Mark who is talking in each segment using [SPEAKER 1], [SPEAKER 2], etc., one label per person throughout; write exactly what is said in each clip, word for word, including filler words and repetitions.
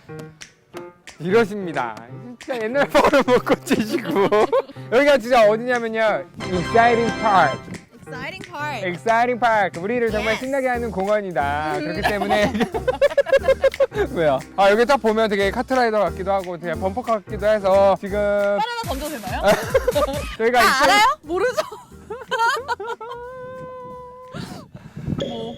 [SPEAKER 1] 이러십니다. 진짜 옛날 버릇 못 고치시고. 여기가 진짜 어디냐면요, Exciting Park.
[SPEAKER 2] Exciting Park.
[SPEAKER 1] Exciting Park. 우리를 정말
[SPEAKER 2] Yes.
[SPEAKER 1] 신나게 하는 공원이다. 그렇기 때문에 왜요? 아, 여기 딱 보면 되게 카트라이더 같기도 하고 되게 범퍼카 같기도 해서 지금
[SPEAKER 2] 바나나 던져도 되나요?
[SPEAKER 1] 저희가
[SPEAKER 2] 아,
[SPEAKER 1] 이쪽-
[SPEAKER 2] 알아요? 모르죠? 뭐.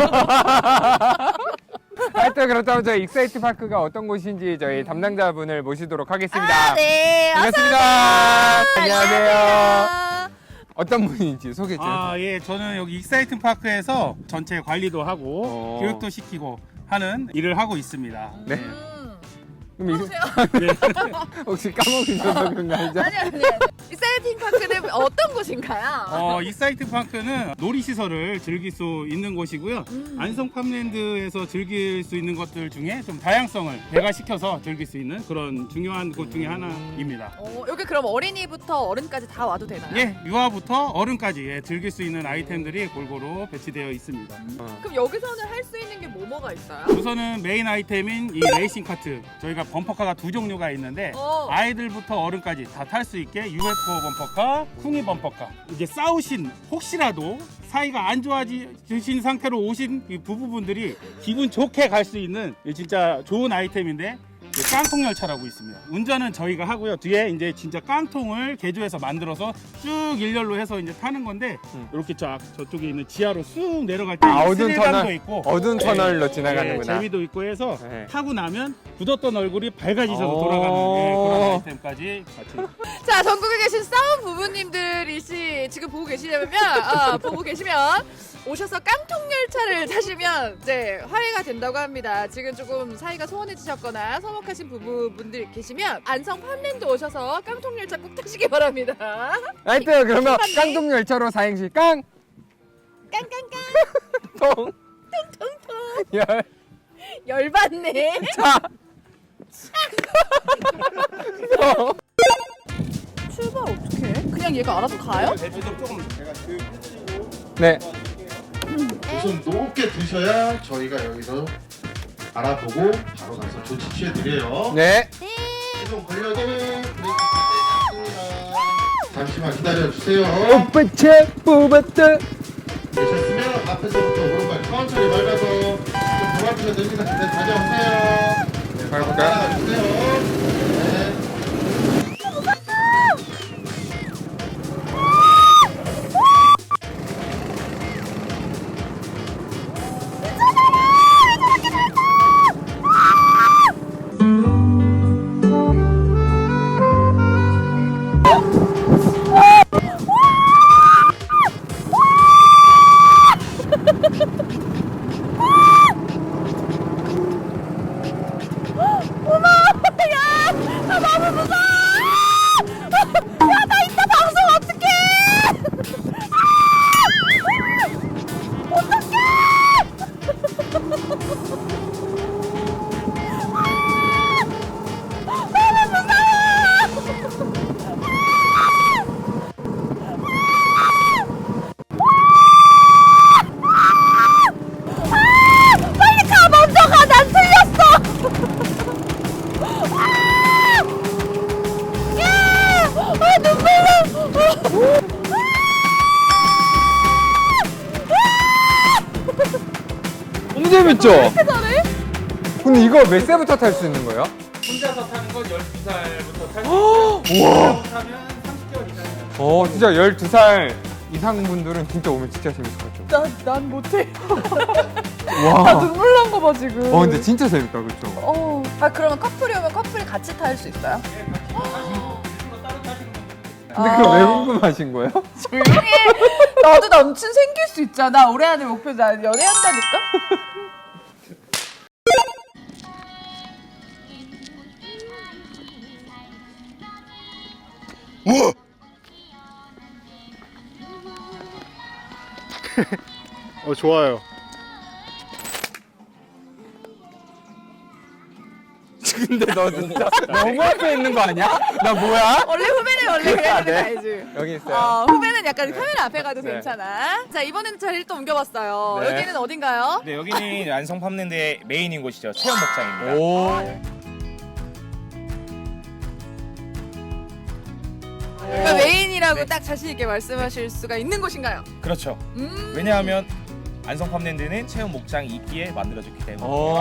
[SPEAKER 1] 하여튼 그렇다면 저희 익사이트 파크가 어떤 곳인지 저희 담당자분을 모시도록 하겠습니다.
[SPEAKER 2] 아, 네.
[SPEAKER 1] 반갑습니다. 안녕하세요.
[SPEAKER 2] 안녕하세요.
[SPEAKER 1] 어떤 분인지 소개 좀.
[SPEAKER 3] 아, 예, 저는 여기 익사이팅 파크에서 전체 관리도 하고
[SPEAKER 1] 어.
[SPEAKER 3] 교육도 시키고 하는 일을 하고 있습니다.
[SPEAKER 1] 네.
[SPEAKER 2] 음.
[SPEAKER 1] 그럼 이-
[SPEAKER 2] 보세요.
[SPEAKER 3] 네.
[SPEAKER 1] 혹시 까먹으셔서 그런 거 아니죠?
[SPEAKER 2] 아니 아니. 익사이팅 파크는 어떤 곳인가요?
[SPEAKER 3] 어, 익사이팅 파크는 놀이시설을 즐길 수 있는 곳이고요.
[SPEAKER 2] 음.
[SPEAKER 3] 안성 팜랜드에서 즐길 수 있는 것들 중에 좀 다양성을 배가시켜서 즐길 수 있는 그런 중요한 곳 중에 하나입니다.
[SPEAKER 2] 어, 여기 그럼 어린이부터 어른까지 다 와도 되나요?
[SPEAKER 3] 예, 유아부터 어른까지 예, 즐길 수 있는 아이템들이 골고루 배치되어 있습니다.
[SPEAKER 1] 어.
[SPEAKER 2] 그럼 여기서는 할 수 있는 게 뭐뭐가 있어요?
[SPEAKER 3] 우선은 메인 아이템인 이 레이싱 카트, 저희가 범퍼카가 두 종류가 있는데
[SPEAKER 2] 어.
[SPEAKER 3] 아이들부터 어른까지 다 탈 수 있게 유에프오 범퍼카, 쿵이 범퍼카. 이제 싸우신 혹시라도 사이가 안 좋아지신 상태로 오신 이 부부분들이 기분 좋게 갈 수 있는 이 진짜 좋은 아이템인데 깡통 열차라고 있습니다. 운전은 저희가 하고요. 뒤에 이제 진짜 깡통을 개조해서 만들어서 쭉 일렬로 해서 이제 타는 건데
[SPEAKER 1] 음.
[SPEAKER 3] 이렇게 쫙 저쪽에 있는 지하로 쑥 내려갈 때
[SPEAKER 1] 아, 어두운
[SPEAKER 3] 스릴감도
[SPEAKER 1] 터널,
[SPEAKER 3] 있고
[SPEAKER 1] 어두운
[SPEAKER 3] 네.
[SPEAKER 1] 터널로
[SPEAKER 3] 네,
[SPEAKER 1] 지나가는구나.
[SPEAKER 3] 재미도 있고 해서
[SPEAKER 1] 네.
[SPEAKER 3] 타고 나면 굳었던 얼굴이 밝아지셔서
[SPEAKER 1] 오.
[SPEAKER 3] 돌아가는 예, 그런 아이템까지 같이.
[SPEAKER 2] 자, 전국에 계신 싸움 부부님들이시 지금 보고 계시냐면 아, 보고 계시면 오셔서 깡통 열차를 타시면 이제 화해가 된다고 합니다. 지금 조금 사이가 소원해지셨거나 서먹하신 부부분들 계시면 안성 팜랜드 오셔서 깡통 열차 꼭 타시기 바랍니다.
[SPEAKER 1] 하여튼 그러면
[SPEAKER 2] 맞네.
[SPEAKER 1] 깡통 열차로 사행시 깡!
[SPEAKER 2] 깡깡깡
[SPEAKER 1] 통!
[SPEAKER 2] 통통통
[SPEAKER 1] 열!
[SPEAKER 2] 열받네.
[SPEAKER 1] 차! 통!
[SPEAKER 2] 출발 어떻게 해? 그냥 얘가 알아서 가요?
[SPEAKER 3] 조금 제가 그
[SPEAKER 1] 네.
[SPEAKER 4] 우선 높게 드셔야 저희가 여기서 알아보고 바로 가서 조치 취해드려요.
[SPEAKER 1] 네.
[SPEAKER 4] 계속 걸려도 브레이크 있습니다. 잠시만 기다려주세요.
[SPEAKER 1] 오빠채 뽑았다.
[SPEAKER 4] 되셨으면 앞에서부터 오른발 천천히 밟아서 좀 도와주셔야 됩니다. 네, 다녀오세요. 네,
[SPEAKER 1] 밟을까요?
[SPEAKER 4] 따라가주세요. 네.
[SPEAKER 1] 너무 재밌죠? 근데 이거 몇 세부터 탈 수 있는 거예요?
[SPEAKER 3] 혼자서 타는 건 열두 살부터 탈 수
[SPEAKER 1] 우와.
[SPEAKER 3] 있고요. 타면 삼십 개월 이상.
[SPEAKER 1] 어, 진짜 열두 살 이상 분들은 진짜 오면 진짜 재밌을 것 같죠?
[SPEAKER 2] 난, 난 못해.
[SPEAKER 1] 와.
[SPEAKER 2] 눈물 난 거 봐 지금.
[SPEAKER 1] 어, 근데 진짜 재밌다, 그쵸?
[SPEAKER 2] 어. 아 그러면 커플이 오면 커플이 같이 탈 수 있어요?
[SPEAKER 1] 근데 그거 왜 궁금하신 거예요?
[SPEAKER 2] 조용히 해. 나도 남친 생길 수 있잖아. 올해 안에 목표 나 연애한다니까?
[SPEAKER 4] 어, 좋아요.
[SPEAKER 1] 근데 너 진짜 너무 앞에 있는 거 아니야? 나 뭐야?
[SPEAKER 2] 원래 후배는 원래 그래야
[SPEAKER 1] 아,
[SPEAKER 2] 되는
[SPEAKER 1] 네.
[SPEAKER 2] 거 알지?
[SPEAKER 1] 여기 있어요.
[SPEAKER 2] 어, 후배는 약간 카메라 앞에 가도
[SPEAKER 1] 네.
[SPEAKER 2] 괜찮아. 자, 이번에는 자리를 또 옮겨봤어요.
[SPEAKER 1] 네.
[SPEAKER 2] 여기는 어딘가요?
[SPEAKER 5] 네, 여기는 안성 팜랜드의 메인인 곳이죠. 체험 목장입니다.
[SPEAKER 1] 오.
[SPEAKER 2] 그러니까 메인이라고 딱 자신 있게 말씀하실 수가 있는 곳인가요?
[SPEAKER 5] 그렇죠.
[SPEAKER 2] 음.
[SPEAKER 5] 왜냐하면 안성 팜랜드는 체험 목장이 있기에 만들어졌기 때문에.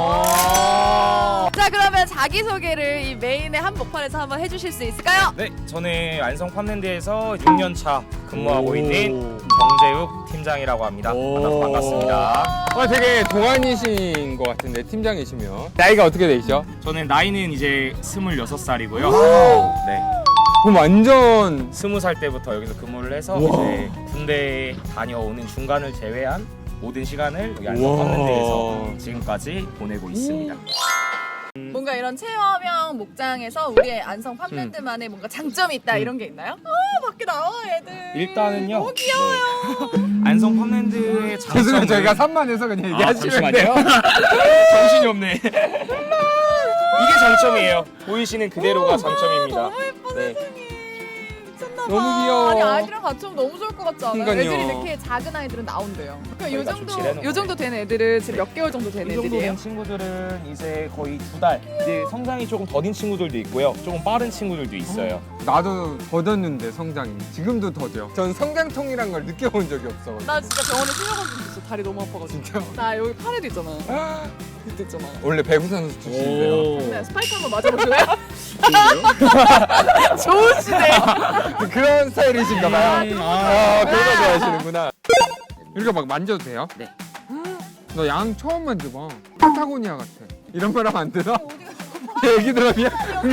[SPEAKER 2] 자, 그러면 자기 소개를 이 메인의 한복판에서 한번 해주실 수 있을까요?
[SPEAKER 5] 네, 저는 안성 팜랜드에서 육 년 차 근무하고 있는 정재욱 팀장이라고 합니다. 만나서 반갑습니다.
[SPEAKER 1] 어, 되게 동안이신 것 같은데 팀장이시면 나이가 어떻게 되시죠?
[SPEAKER 5] 저는 나이는 이제 스물여섯 살이고요. 네.
[SPEAKER 1] 그럼 완전
[SPEAKER 5] 스무 살 때부터 여기서 근무를 해서
[SPEAKER 1] 우와.
[SPEAKER 5] 이제 군대 다녀오는 중간을 제외한 모든 시간을 여기 안성 팜랜드에서 지금까지 보내고 있습니다.
[SPEAKER 2] 뭔가 이런 체험형 목장에서 우리의 안성 팜랜드만의 뭔가 장점이 있다 이런 게 있나요? 아, 밖에 나와 애들.
[SPEAKER 5] 일단은요.
[SPEAKER 2] 너무 귀여워요.
[SPEAKER 5] 네. 안성 팜랜드의 장점은
[SPEAKER 1] 죄송해요 저희가 산만해서 그냥
[SPEAKER 5] 아,
[SPEAKER 1] 얘기하시면 돼요.
[SPEAKER 5] 잠시만요. 정신이 없네. 이게 장점이에요. 보이시는 그대로가 장점입니다.
[SPEAKER 2] 너무 예뻐
[SPEAKER 5] 네.
[SPEAKER 2] 세상에. 미쳤나봐.
[SPEAKER 1] 너무 귀여워.
[SPEAKER 2] 아니 아이들이랑 같이 오면 너무 좋을 것 같지 않아요?
[SPEAKER 1] 그러니까요.
[SPEAKER 2] 애들이 이렇게 작은 아이들은 나온대요. 그러니까 요
[SPEAKER 5] 저희가 좀
[SPEAKER 2] 정도
[SPEAKER 5] 지내는
[SPEAKER 2] 요 정도 된 애들은 지금 몇 개월 정도 된
[SPEAKER 5] 이 정도
[SPEAKER 2] 애들이에요?
[SPEAKER 5] 된 친구들은 이제 거의 두 달. 이제 성장이 조금 더딘 친구들도 있고요. 조금 빠른 친구들도 있어요.
[SPEAKER 1] 나도 더뎠는데 성장이 지금도 더뎌. 전 성장통이란 걸 느껴본 적이 없어.
[SPEAKER 2] 나 진짜 병원에 실려간 적 있어. 다리 너무 아파가지고.
[SPEAKER 1] 진짜
[SPEAKER 2] 나 여기 팔에도 있잖아. 밑에 있잖아.
[SPEAKER 1] 원래 배구 선수 출신이세요.
[SPEAKER 2] 네, 스파이크 한번 맞아보실래요? 좋으시네.
[SPEAKER 1] 그런 스타일이신가 봐요.
[SPEAKER 5] 음,
[SPEAKER 1] 아, 그런 거 좋아하시는구나. 이렇게 막 만져도 돼요?
[SPEAKER 5] 네.
[SPEAKER 1] 너 양 처음 만져봐. 파타고니아 같아. 이런 말 하면 안 되나? 얘기 들어비야?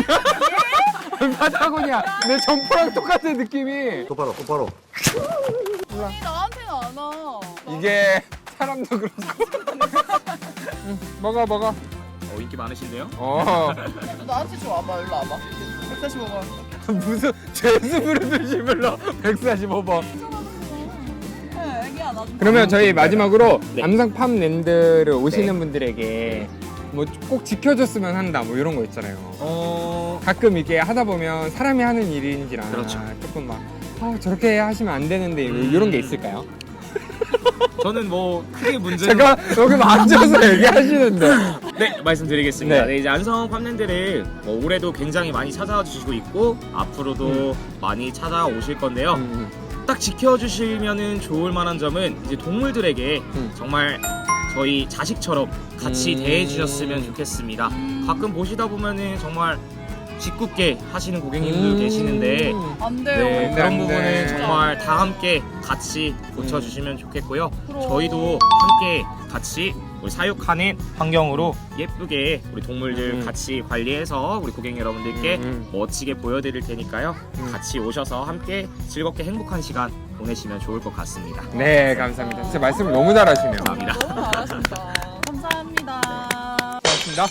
[SPEAKER 1] 파타고니아. 내 점프랑 똑같은 느낌이.
[SPEAKER 4] 똑바로 똑바로.
[SPEAKER 2] 아니 나한테는 안 와.
[SPEAKER 1] 이게 사람도 그렇고. 응, 먹어 먹어.
[SPEAKER 5] 어, 인기 많으신데요?
[SPEAKER 1] 어.
[SPEAKER 2] 나한테 좀 와봐. 일로 와봐. 백사십오 번.
[SPEAKER 1] 무슨 죄수부를 듯이 불러. 백사십오 번.
[SPEAKER 2] 네, 애기야 나 좀.
[SPEAKER 1] 그러면 저희 마지막으로
[SPEAKER 5] 네.
[SPEAKER 1] 남성 팜랜드를 오시는 분들에게 뭐 꼭 지켜줬으면 한다 뭐 이런 거 있잖아요.
[SPEAKER 5] 어...
[SPEAKER 1] 가끔 이게 하다 보면 사람이 하는 일인지라
[SPEAKER 5] 그렇죠.
[SPEAKER 1] 조금 막 아, 저렇게 하시면 안 되는데
[SPEAKER 5] 음.
[SPEAKER 1] 이런 게 있을까요?
[SPEAKER 5] 저는 뭐 크게 문제는
[SPEAKER 1] 제가 여기 앉아서 얘기하시는데
[SPEAKER 5] 네 말씀드리겠습니다.
[SPEAKER 1] 네.
[SPEAKER 5] 네, 이제 안성 팜랜드를 뭐 올해도 굉장히 많이 찾아와 주시고 있고 앞으로도 많이 찾아오실 건데요.
[SPEAKER 1] 음,
[SPEAKER 5] 딱 지켜주시면은 좋을 만한 점은 이제 동물들에게
[SPEAKER 1] 음.
[SPEAKER 5] 정말 저희 자식처럼 같이
[SPEAKER 1] 음.
[SPEAKER 5] 대해주셨으면 좋겠습니다. 가끔 보시다 보면은 정말 짓궂게 하시는 고객님들
[SPEAKER 1] 음.
[SPEAKER 5] 계시는데
[SPEAKER 2] 안 돼요.
[SPEAKER 5] 네,
[SPEAKER 1] 안
[SPEAKER 5] 그런
[SPEAKER 1] 돼.
[SPEAKER 5] 부분은 정말 다 함께 같이 고쳐주시면 좋겠고요.
[SPEAKER 2] 그럼.
[SPEAKER 5] 저희도 함께 같이 우리 사육하는 환경으로 예쁘게 우리 동물들
[SPEAKER 1] 음.
[SPEAKER 5] 같이 관리해서 우리 고객 여러분들께
[SPEAKER 1] 음.
[SPEAKER 5] 멋지게 보여드릴 테니까요.
[SPEAKER 1] 음.
[SPEAKER 5] 같이 오셔서 함께 즐겁게 행복한 시간 보내시면 좋을 것 같습니다.
[SPEAKER 1] 네 감사합니다. 진짜 말씀을 너무 잘하시네요.
[SPEAKER 5] 감사합니다.
[SPEAKER 2] 너무 잘하신다. 감사합니다.
[SPEAKER 1] 고맙습니다.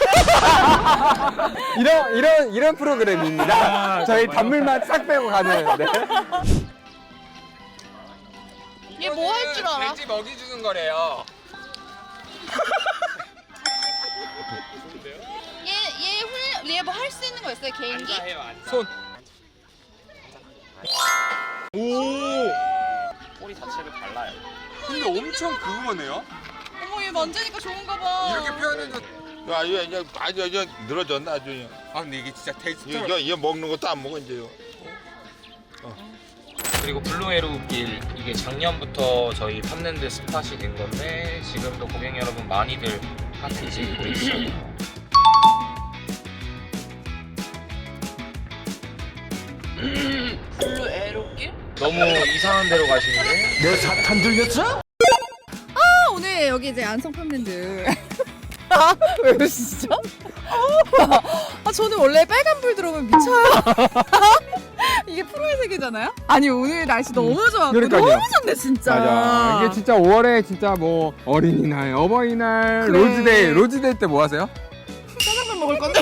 [SPEAKER 1] 이런 이런 이런 프로그램입니다. 저희 단물만 싹 빼고 가는. 네.
[SPEAKER 2] 얘 뭐 할 줄 알아?
[SPEAKER 1] 돼지 먹이 주는 거래요.
[SPEAKER 6] 얘 뭐 할 수 있는 거 있어요? 개인기?
[SPEAKER 1] 손.
[SPEAKER 5] 꼬리 자체를 달라요.
[SPEAKER 1] 근데 엄청 그거네요.
[SPEAKER 2] 어머 얘 만지니까 좋은가 봐.
[SPEAKER 1] 이렇게 표현해서.
[SPEAKER 7] 야, 이거 이제 아주 이제 늘어졌나 아주. 그냥.
[SPEAKER 1] 아 근데 이게 진짜 테이스트.
[SPEAKER 7] 이거 이거 먹는 것도 안 먹어 이제요.
[SPEAKER 5] 그리고 블루에로길 이게 작년부터 저희 팜랜드 스팟이 된 건데 지금도 고객 여러분 많이들 핫해지고 있어요.
[SPEAKER 2] 블루 에로길?
[SPEAKER 5] 너무 이상한 데로 가시는데?
[SPEAKER 2] 아, 오늘 여기 이제 안성 팜랜드. 아, 왜 그러시죠? 아, 저는 원래 빨간 불 들어오면 미쳐요. 이게 프로의 세계잖아요? 아니, 오늘 날씨 너무 좋았고
[SPEAKER 1] 그러니까요.
[SPEAKER 2] 너무 좋네, 진짜.
[SPEAKER 1] 맞아. 이게 진짜 오월에 진짜 뭐 어린이날, 어버이날,
[SPEAKER 2] 그래.
[SPEAKER 1] 로즈데이, 로즈데이 때 뭐 하세요?
[SPEAKER 2] 짜장면 먹을 건데.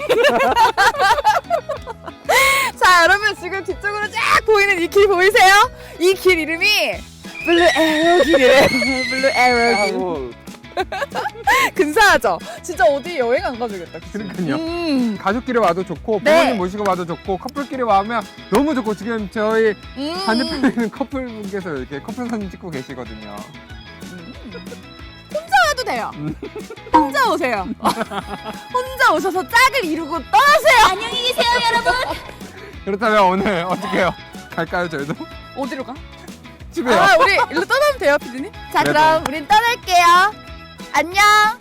[SPEAKER 2] 자, 여러분 지금 뒤쪽으로 쫙 보이는 이 길 보이세요? 이 길 이름이 블루 에로 길이래. 블루 에로 길. 근사하죠? 진짜 어디 여행 안 가주겠다. 그치?
[SPEAKER 1] 그러니까요.
[SPEAKER 2] 음.
[SPEAKER 1] 가족끼리 와도 좋고
[SPEAKER 2] 네.
[SPEAKER 1] 부모님 모시고 와도 좋고 커플끼리 와면 너무 좋고 지금 저희
[SPEAKER 2] 음.
[SPEAKER 1] 반대편에 있는 커플분께서 이렇게 커플 사진 찍고 계시거든요.
[SPEAKER 2] 와도 돼요. 혼자 오세요. 혼자 오셔서 짝을 이루고 떠나세요. 안녕히 계세요, 여러분.
[SPEAKER 1] 그렇다면 오늘 어떻게 해요? 갈까요 저희도?
[SPEAKER 2] 어디로 가?
[SPEAKER 1] 집에요.
[SPEAKER 2] 아 우리 일로 떠나면 돼요 피디님? 자
[SPEAKER 1] 그래도.
[SPEAKER 2] 그럼 우린 떠날게요. 안녕.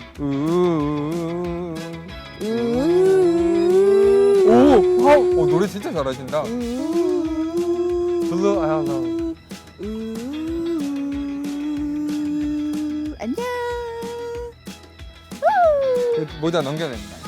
[SPEAKER 1] 우우우우. 오, 와우, 어, 노래 진짜 잘하신다. 블루 아야 나.
[SPEAKER 2] 안녕.
[SPEAKER 1] 모자 넘겨낸다.